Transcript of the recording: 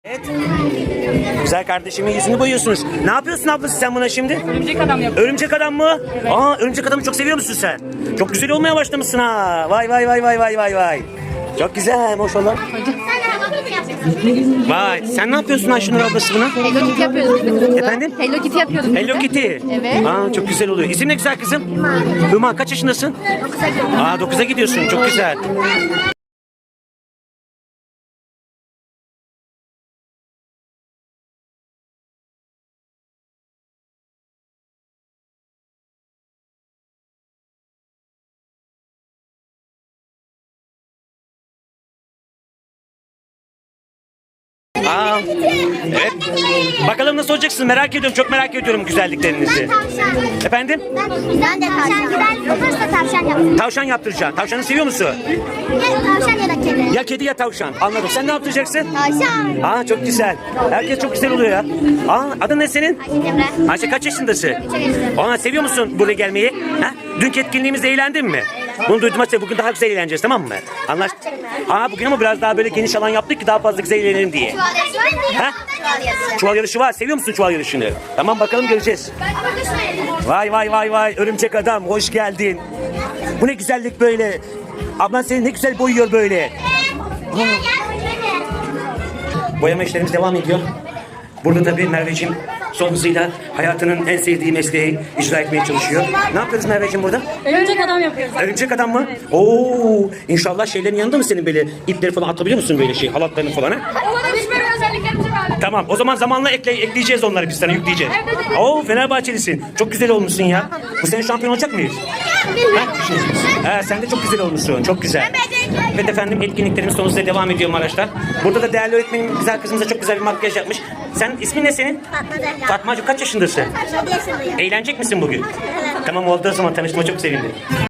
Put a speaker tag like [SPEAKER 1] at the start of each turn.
[SPEAKER 1] Evet. Güzel kardeşimin yüzünü boyuyorsunuz. Ne yapıyorsun ablası sen buna şimdi?
[SPEAKER 2] Örümcek adam yapıyor.
[SPEAKER 1] Örümcek adam mı?
[SPEAKER 2] Evet.
[SPEAKER 1] Aa, örümcek adamı çok seviyor musun sen? Çok güzel olmaya başlamışsın ha. Vay vay vay vay vay vay vay. Çok güzel maşallah. Vay, sen ne yapıyorsun Ayşenur ablası buna?
[SPEAKER 2] Hello Kitty yapıyorduk biz de kızla.
[SPEAKER 1] Efendim?
[SPEAKER 2] Hello Kitty yapıyorduk biz de.
[SPEAKER 1] Hello Kitty.
[SPEAKER 2] Evet.
[SPEAKER 1] Aa, çok güzel oluyor. İsim ne güzel kızım? Hüma kaç yaşındasın?
[SPEAKER 2] 9'a gidiyorum.
[SPEAKER 1] Aa, 9'a gidiyorsun. Çok güzel. Aa, evet. Bakalım nasıl olacaksınız merak ediyorum. Çok merak ediyorum güzelliklerinizi. Efendim?
[SPEAKER 3] Ben de tavşan. Güzel olursa tavşan yaptım.
[SPEAKER 1] Tavşan yaptıracaksın. Tavşanı seviyor musun?
[SPEAKER 3] Ya tavşan ya da kedi.
[SPEAKER 1] Ya kedi ya tavşan. Anladım. Sen ne yaptıracaksın?
[SPEAKER 3] Tavşan.
[SPEAKER 1] Aa, çok güzel. Herkes çok güzel oluyor ya. Aa, adın ne senin?
[SPEAKER 3] Ayşe Cemre.
[SPEAKER 1] Ayşe kaç yaşındasın?
[SPEAKER 3] 3'e geçtim.
[SPEAKER 1] Aa, seviyor musun buraya gelmeyi? Ha? Dünkü etkinliğimizde eğlendin mi? Bunu duydum Ayşe. Bugün daha güzel eğleneceğiz, tamam mı? Anlaştık. Aa, bugün ama biraz daha böyle geniş alan yaptık ki daha fazla güzel eğlenelim diye.
[SPEAKER 3] Çuval yarışı var mı?
[SPEAKER 1] Ha?
[SPEAKER 3] Çuval yarışı.
[SPEAKER 1] Çuval yarışı var. Seviyor musun çuval yarışını? Tamam, bakalım göreceğiz. Vay vay vay vay, örümcek adam hoş geldin. Bu ne güzellik böyle. Ablan seni ne güzel boyuyor böyle. Boyama işlerimiz devam ediyor. Burada tabii Merveciğim son hızıyla hayatının en sevdiği mesleği icra etmeye çalışıyor. Ne yapıyoruz Merveciğim burada?
[SPEAKER 2] Örümcek adam yapıyoruz.
[SPEAKER 1] Örümcek adam mı? Oo, inşallah şeylerin yanında mı senin böyle ipleri falan atabiliyor musun böyle şey halatlarını falan ha?
[SPEAKER 2] Ona düşmeyen özelliklerimizi var.
[SPEAKER 1] Tamam, o zaman zamanla ekleyeceğiz onları, biz sana yükleyeceğiz. Oo, Fenerbahçelisin. Çok güzel olmuşsun ya. Bu sene şampiyon olacak mıyız? Ha, sen de çok güzel olmuşsun. Çok güzel. Evet efendim, etkinliklerimiz sonunda devam ediyor Maraş'ta. Burada da değerli öğretmenim güzel kızımıza çok güzel bir makyaj yapmış. Sen ismin ne senin? Fatmacığım kaç yaşındasın?
[SPEAKER 3] 7 yaşındayım.
[SPEAKER 1] Eğlenecek misin bugün? Tamam, oldu o zaman, tanıştığıma çok sevindim.